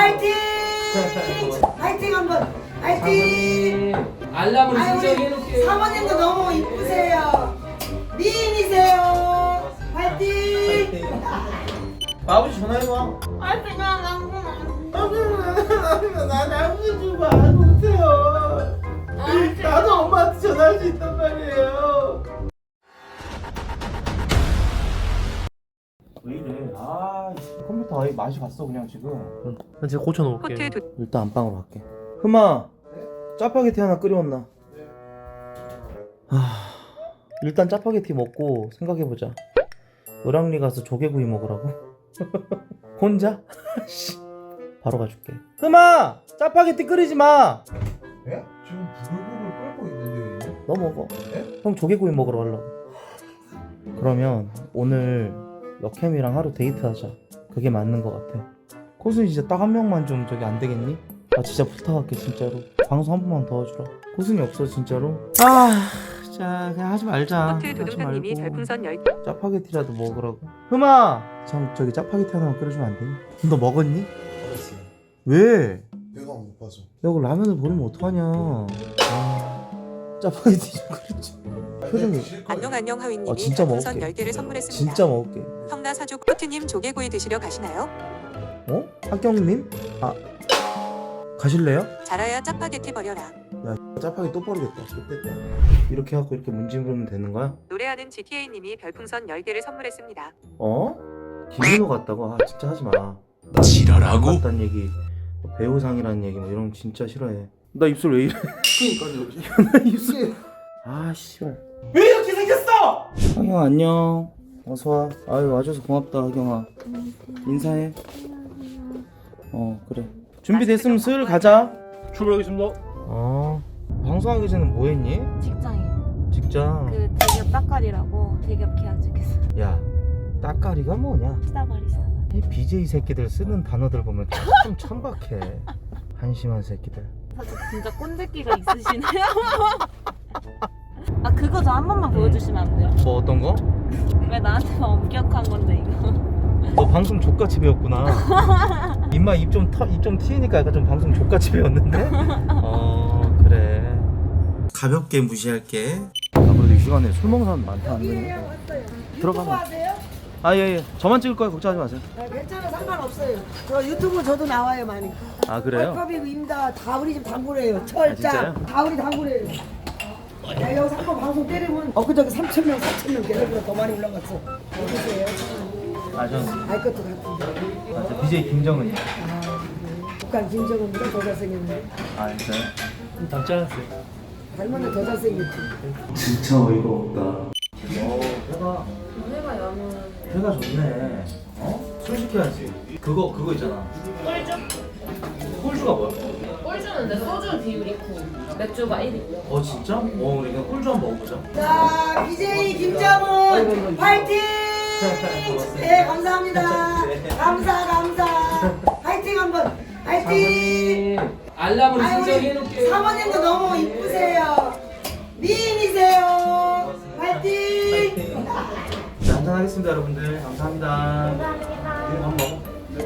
파이팅! 파이팅 한번! 파이팅! 알람을 신청해놓을게요. 사모님도 너무 이쁘세요. 미인이세요. 파이팅! 아버지 전화해봐. 파이팅! 나 아버지 좀 안오세요. 나도 엄마한테 전화할 수 있단 말이에요. 왜 이래? 아, 컴퓨터 아예 맛이 갔어 그냥 지금. 난 제가 고쳐놓을게요. 일단 안방으로 갈게. 흠아, 짜파게티 하나 끓여왔나? 일단 짜파게티 먹고 생각해보자. 을왕리 가서 조개구이 먹으라고? 혼자? 바로 가줄게. 흠아, 짜파게티 끓이지 마. 예? 지금 부글부글 끓고 있는데요. 너 먹어. 네? 형 조개구이 먹으러 가려고. 그러면 오늘 여캠이랑 하루 데이트하자. 그게 맞는 것 같아. 코순이 진짜 딱 한 명만 좀 저기 안 되겠니? 아 진짜 부탁할게 진짜로. 방송 한 번만 도와주라. 코순이 없어 진짜로. 자 그냥 하지 말자. 호트 도둑놈님이 별풍선 10개. 짜파게티라도 먹으라고. 흠아, 저기 짜파게티 하나만 끓여주면 안 되니? 너 먹었니? 알았어요. 왜? 배가 안 고파서. 여기 라면을 버리면 어떡하냐. 짜파게티 좀 끓여줘. 표정이. 안녕 하위님이 진짜 별풍선 먹을게. 10개를 선물했습니다. 진짜 먹을게. 형나 사족 호트님 조개구이 드시러 가시나요? 어? 학경님? 가실래요? 자라야 짜파게티 버려라. 야 짜파게 또 버리겠다. 좋겠다. 이렇게 하고 이렇게 문지르면 되는 거야? 노래하는 GTA님이 별풍선 10개를 선물했습니다. 어? 김민호 같다고? 진짜 하지 마. 지랄하고? 같다는 얘기, 배우상이라는 얘기 뭐 이런 거 진짜 싫어해. 나 입술 왜 이래? 그니까요. 나 입술. 씨발. 왜 이렇게 생겼어? 하경아 안녕. 어서 와. 아유 와줘서 고맙다 하경아. 인사해. 그래. 준비됐으면 슬 가자. 출발하겠습니다. 방송하기 전에 뭐 했니? 직장이에요. 직장. 그 대기업 따까리라고 대기업 계약 중에서 야, 따까리가 뭐냐? 시다바리. 이 BJ 새끼들 쓰는 단어들 보면 참 천박해. 한심한 새끼들. 사실 진짜 꼰대끼가 있으시네요. 아 그거 저 한 번만 보여주시면 안 돼요? 뭐 어떤 거? 왜 나한테만 엄격한 건데 이거? 너 방송 족같이 배웠구나. 입마 입 좀 튀니까 약간 좀 방송 족같이 배웠는데? 그래. 가볍게 무시할게. 그래도 이 시간에 술 먹는 사람 많다 안 되네. 들어가봐. 예. 저만 찍을 거야. 걱정하지 마세요. 괜찮아, 상관없어요. 저 유튜브 저도 나와요 많이. 그래요? 컵입니다. 다 우리 집 단골이에요. 진짜요? 철장. 다 우리 단골이에요. 야, 여기서 한번 방송 때리면 엊그저께 3,000명, 4,000명 계속 더 많이 올라갔어. 어떠세요? 전 알 것도 같은데. BJ 김정은이요. 북한 김정은보다 더 잘생겼네. 진짜요? 닮지 않았어요. 닮았는데 더 잘생겼지. 진짜 어이가 없다. 회가 좋네. 술 시켜야지. 그거 있잖아. 꿀주가 뭐야? 꿀주는데 소주 비율 있고 맥주가 1이고요. 진짜? 우리 그냥 꿀주 한번 먹어보자. 자, BJ 김정은 파이팅! 네, 감사합니다. 감사. 파이팅 한번. 파이팅! 알람을 아유, 우리 신청해놓을게요. 사모님도 너무 이쁘세요. 미인이세요. 파이팅! 자, 한잔 하겠습니다, 여러분들. 감사합니다. 네, 밥 먹어.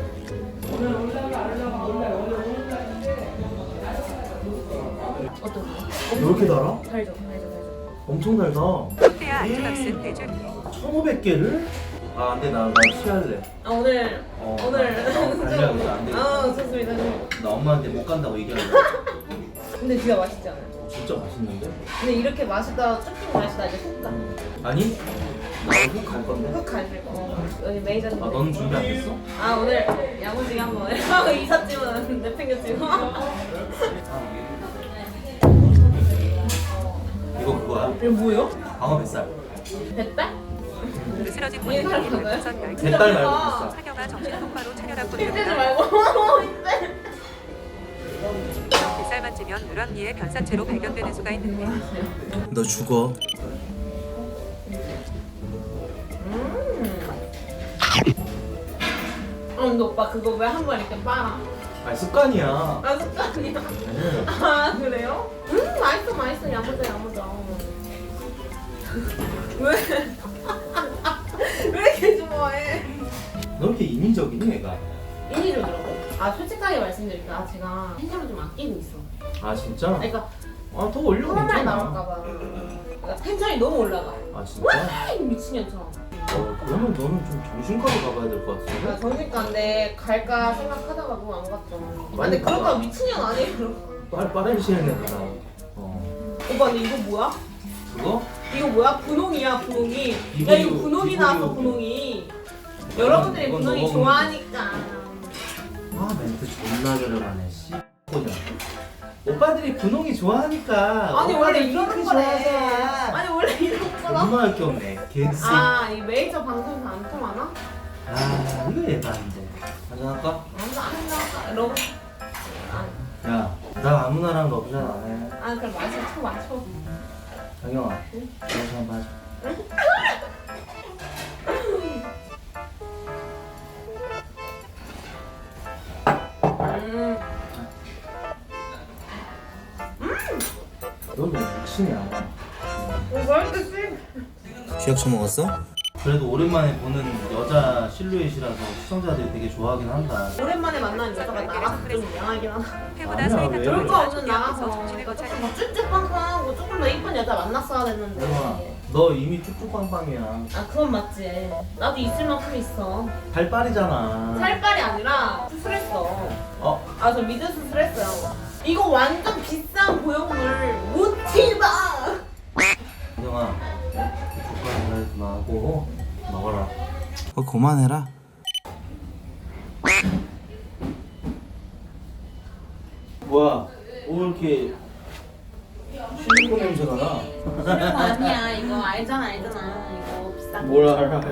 왜 이렇게 달아? 달죠. 엄청 달다. 호트야 안주값은 대줄. 1,500개를? 근데 나 취할래. 오늘 달려야겠다. 안 되겠다. 좋습니다. 나 엄마한테 못 간다고 얘기할래. 근데 진짜 맛있지 않아요? 진짜 맛있는데? 근데 이렇게 맛있다 쭉쭉 맛있다 이제 훅 가. 아니? 나훅갈 건데? 훅 가실 거. 여기 메이저님. 너는 준비 안 됐어? 오늘 야무지게 한번 하고 이삿짐은 내팽겨치고. 이거 그거야? 이거 뭐예요? 방어 뱃살. 뱃달? 으스러진 이게 분님이 잘 별풍선 10개. 뱃달 말고 뱃살. 사경아 정신 똑바로 차려라고 힘들지 드립니다. 말고. 힘들. 뱃살 만지면 누런기에 변사체로 발견되는 수가 있는데 너 죽어. 근데 오빠 그거 왜 한 번 이렇게 빨아? 습관이야. 습관이야. 그래요? 맛있어 야무져. 왜? 왜 이렇게 좋아해? 너 이렇게 인위적이니 얘가? 일이 들더라고. 아 솔직하게 말씀드릴게요. 아 제가 팬심을 좀 아끼고 있어. 아 진짜? 그러니까 아 더 올려 코로나에 괜찮아. 나올까봐. 그러니까 텐션이 너무 올라가. 아 진짜? 아이 미친년처럼. 그러면 너는 좀 정신과로 가봐야 될 것 같은데? 나 정신과인데 갈까 생각하다가 너무 안 갔죠. 아, 근데 많이 그럴까 가봐. 미친년 아니에요? 빠른 시일 내구나. 오빠 근데 이거 뭐야? 그거? 이거 뭐야? 분홍이야 분홍이. 이거 야 이거 이거, 분홍이 이거 나왔어 이거. 분홍이. 여러분들이 이건 분홍이 너무 좋아하니까. 아 멘트 존나 저렴하네 씨. 오빠들이 분홍이 좋아하니까. 아니 원래 오빠들 이러는 핑크 거래. 좋아하잖아. 아니 원래 이러는 거라. 존나 할게 없네 개씨. 아이 메이저 방송에서 안 통하나? 아 이거 예반인데. 한잔할까? 안 러브. 야, 나 아무나랑 러브샷 안 해. 아 그럼 마셔 마셔. 장영아, 러브샷 한번 하자. 너 너무 미친이야. 왜 이렇게 쎄? 쥐약 처먹었어? 그래도 오랜만에 보는 여자 실루엣이라서 시청자들이 되게 좋아하긴 한다. 오랜만에 만난 여자가 나랑 좀 이상하긴 하다. 회보다 아니야, 사이가 왜? 좀 별거 좋아 없는 준비하면서 나가서 정신을 그러니까 못 조금 차리는 더 쭌쭌빵빵하고 조금 더 이쁜 여자 만났어야 됐는데. 영아, 너 이미 뚝뚝빵빵이야. 아 그건 맞지. 나도 있을 만큼 있어. 발빨이잖아. 살빨이 아니라 수술했어. 어? 아 저 미드 수술했어요. 이거 완전 비싼 보형물 모티바. 영아, 족발 하지 마고 먹어라. 그만해라. 뭐야? 왜 이렇게 실리콘 냄새가 나? 그거 아니야 이거 알잖아 이거 비싼 거. 뭘 알아?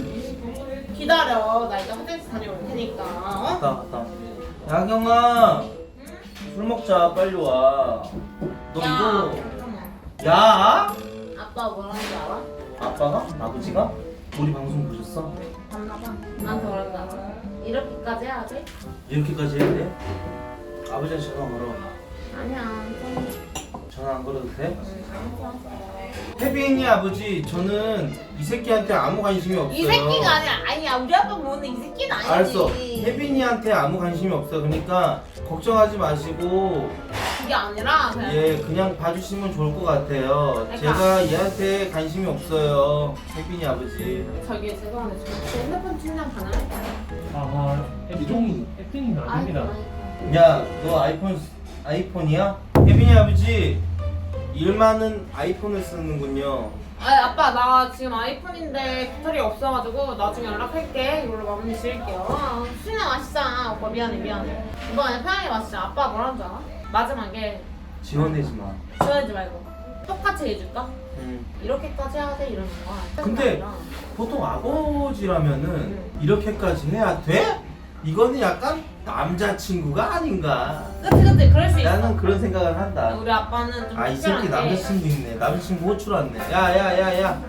기다려 나 이제 화장실 다녀올 테니까. 어? 갔다. 야경아, 술 먹자. 빨리 와. 너 야 이거 잠깐만. 야? 아빠 뭐라는 줄 알아? 아빠가? 아버지가? 우리 방송 보셨어? 봤나봐. 나한테 뭐라는 줄 알아? 이렇게까지 해야 돼? 이렇게까지 해야 돼? 아버지한테 전화 걸어. 아니야 좀. 전화 안 걸어도 돼? 혜빈이 아버지, 저는 이 새끼한테 아무 관심이 없어요. 이 새끼가 아니야 우리 아빠 보는 이 새끼는 아니지. 알았어. 혜빈이한테 아무 관심이 없어. 그러니까 걱정하지 마시고 그게 아니라 그냥 그냥 봐주시면 좋을 것 같아요. 그러니까. 제가 얘한테 관심이 없어요. 혜빈이 아버지. 저기 죄송한데 저 핸드폰 충전 가능할까요? 아, 액팅이 아닙니다. 야, 너 아이폰이야? 혜빈이 아버지, 일 많은 아이폰을 쓰는군요. 아빠 나 지금 아이폰인데 배터리 없어가지고 나중에 연락할게. 이걸로 마무리 지을게요. 술이나 마시자. 오빠 미안해. 이거 그냥 편하게 마시자. 아빠 뭐라는 줄 알아? 마지막에 지원되지 마. 지원하지 말고 똑같이 해줄까? 응. 이렇게까지 해야 돼 이러는 거야. 근데 보통 아버지라면은 이렇게까지 해야 돼? 이거는 약간 남자친구가 아닌가. 그치 그럴 수 있어. 나는 그런 생각을 한다. 우리 아빠는 좀 아, 이 새끼 특별한 게 남자친구 있네. 남자친구 호출 왔네. 야야야야.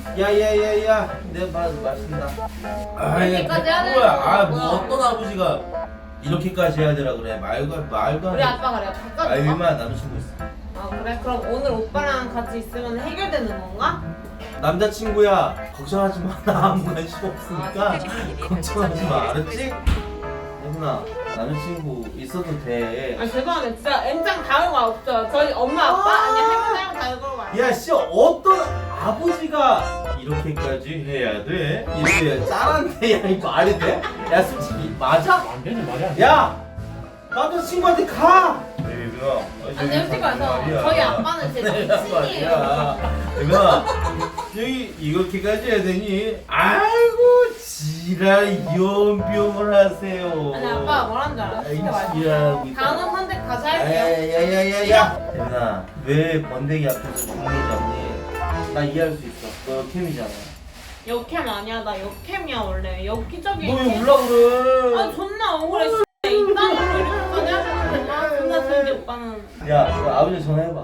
내가 마신다. 이렇게까지 해야 되는 뭐야? 아, 뭐 거야. 어떤 아버지가 이렇게까지 해야 되라 그래? 말도 안 우리 돼. 아빠가 그래. 아, 바꿔줄까? 얼마나 남자친구 있어? 아 그래? 그럼 오늘 오빠랑 같이 있으면 해결되는 건가? 남자친구야, 걱정하지 마. 나 아무 관심 없으니까 아, 선택하신 분이 걱정하지 마. 변산체로 알았지? 혜순아, 남자친구 있어도 돼. 아 죄송한데 진짜 N장 다른 거 없죠? 저희 엄마 아빠 아니 할머니랑 다른 거 말이야. 야, 씨, 어떤 아버지가 이렇게까지 해야 돼? 이렇게 짠한데, 야, 이거 말이 돼? 야, 솔직히 맞아? 완전히 말이 안 돼. 야, 남자친구한테 가. 얘들아, 아니 솔직히 말해서 저희 아빠는 제 미친이에요. 얘들아, 여기 이렇게까지 해야 되니? 아이고, 지랄 연병을 하세요. 아니 아빠 뭐라는 줄 알아? 솔직히 말해서 지랄. 단어 선택 다시 할게요. 야야야야야. 대민아, 왜 번데기 앞에서 죽는 잡니? 나 이해할 수 있어. 너 캠이잖아. 역캠 아니야 나 역캠이야 원래 역기적인. 너 왜 울라 그래? 아 존나 억울해. 이딴으로 이렇게까지 해야 되는데 아 존나 저기 오빠는 야, 너 아버지 전화해봐.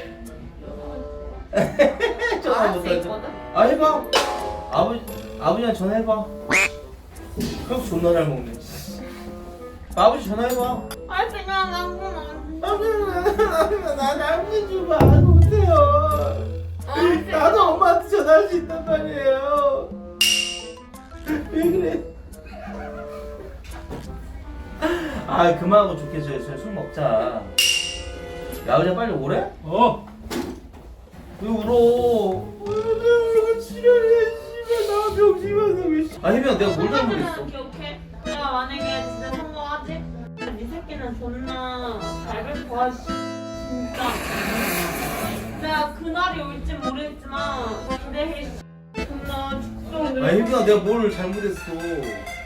전화 알수 못하지. 있거든? 아, 해봐. 아버지한테 전화해봐. 형 존나 잘 먹네. 아버지 전화해봐. 할 생각 나구나. 난 아버지 좀 안 오세요. 나도 엄마한테 전화할 수 있단 말이에요. 왜 그래? 아 그만하고 좋겠어요. 술 먹자. 야 의자 빨리 오래? 왜 울어? 내가 지랄이야 씨발 나 병심하다 왜 씨. 아 혜빈아 내가 뭘 잘못했어? 기억해? 내가 만약에 진짜 성공하지? 네 새끼는 존나 밟을 거야 씨. 진짜 내가 그날이 올지 모르겠지만 기대해 씨. 존나 아 혜빈아 내가 뭘 잘못했어?